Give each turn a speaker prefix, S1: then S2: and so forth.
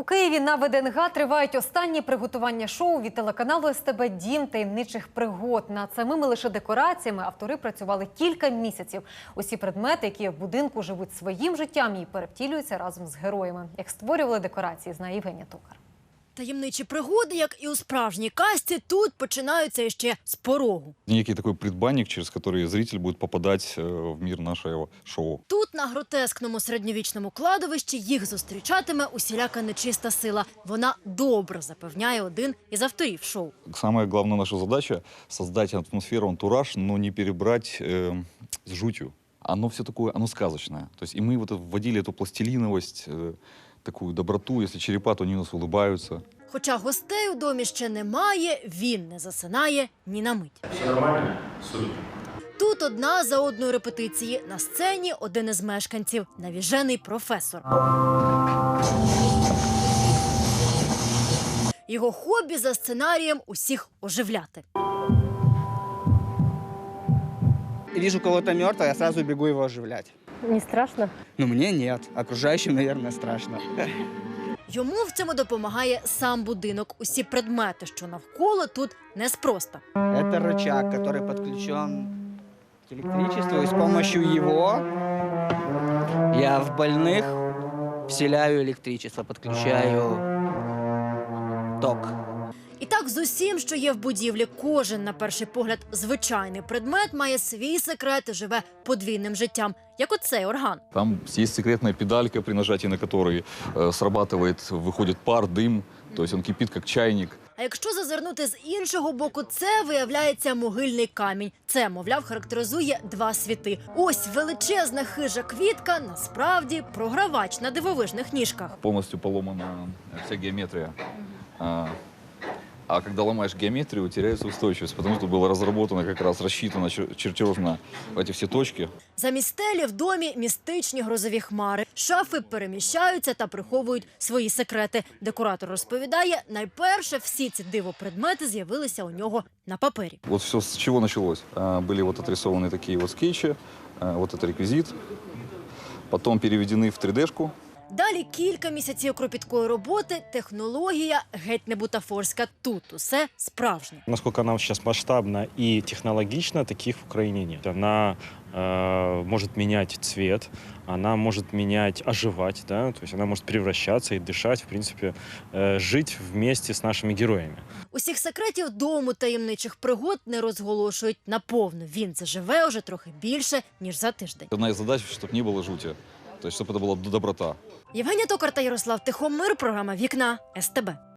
S1: У Києві на ВДНГ тривають останні приготування шоу від телеканалу СТБ «Дім таємничих пригод». Над самими лише декораціями автори працювали кілька місяців. Усі предмети, які в будинку живуть своїм життям і перевтілюються разом з героями. Як створювали декорації, знає Євгенія Токар.
S2: Таємничі пригоди, як і у справжній казці, тут починаються ще з порогу.
S3: Некий такой предбанник, через который зритель будет попадать в мир нашего шоу.
S2: Тут, на гротескному середньовічному кладовищі, їх зустрічатиме усіляка нечиста сила. Вона добре, запевняє один із авторів шоу.
S3: Самая главная наша задача – создать атмосферу, антураж, но не перебрать с жутью. Оно все такое, оно сказочное. То есть и мы вот вводили эту пластилиновость, такую доброту. Если черепа, то они у нас улыбаются.
S2: Хоча гостей у домі ще немає, він не засинає ні на мить.
S4: Все нормально? Супер.
S2: Тут одна за одною репетиції. На сцені один із мешканців – навіжений професор. Його хобі за сценарієм усіх оживляти.
S5: Вижу кого-то мертвого, я сразу бегу его оживлять.
S1: Не страшно?
S5: Ну, мне нет. Окружающим, наверное, страшно.
S2: Йому в цьому допомагає сам будинок. Усі предмети, що навколо, тут неспроста.
S5: Это рычаг, который подключен к электричеству, и с помощью его я в больных вселяю электричество, подключаю ток.
S2: І так з усім, що є в будівлі, кожен, на перший погляд, звичайний предмет має свій секрет і живе подвійним життям, як оцей орган.
S3: Там есть секретная педалька, при нажатии на которой срабатывает, выходит пар, дым. То есть он кипит, как чайник.
S2: А якщо зазирнути з іншого боку, це, виявляється, могильний камінь. Це, мовляв, характеризує два світи. Ось величезна хижа квітка, насправді, програвач на дивовижних ніжках.
S3: Полностью поломана вся геометрия. А когда ломаешь геометрию, теряется устойчивость, потому что было разработано, как раз рассчитано чертеж на эти все точки.
S2: Замість стелі в домі містичні грозові хмари. Шафи переміщаються та приховують свої секрети. Декоратор розповідає, найперше всі ці дивопредмети з'явилися у нього на папері.
S3: Вот все с чего началось. Были вот отрисованы такие вот скетчи, вот это реквизит, потом переведены в 3D-шку.
S2: Далі кілька місяців кропіткої роботи, технологія геть не бутафорська. Тут усе справжнє.
S6: Насколько она сейчас масштабна и технологична, таких в Украине нет. Она может менять цвет, она может менять, оживать, да? То есть она может превращаться и дышать, в принципе, жить вместе с нашими героями.
S2: Усіх секретів дому таємничих пригод не розголошують наповну. Він заживе уже трохи більше, ніж за тиждень.
S3: Одна из задач, чтобы не было жути, то есть чтобы это была доброта.
S2: Євгенія Токар та Ярослав Тихомир, програма «Вікна» СТБ.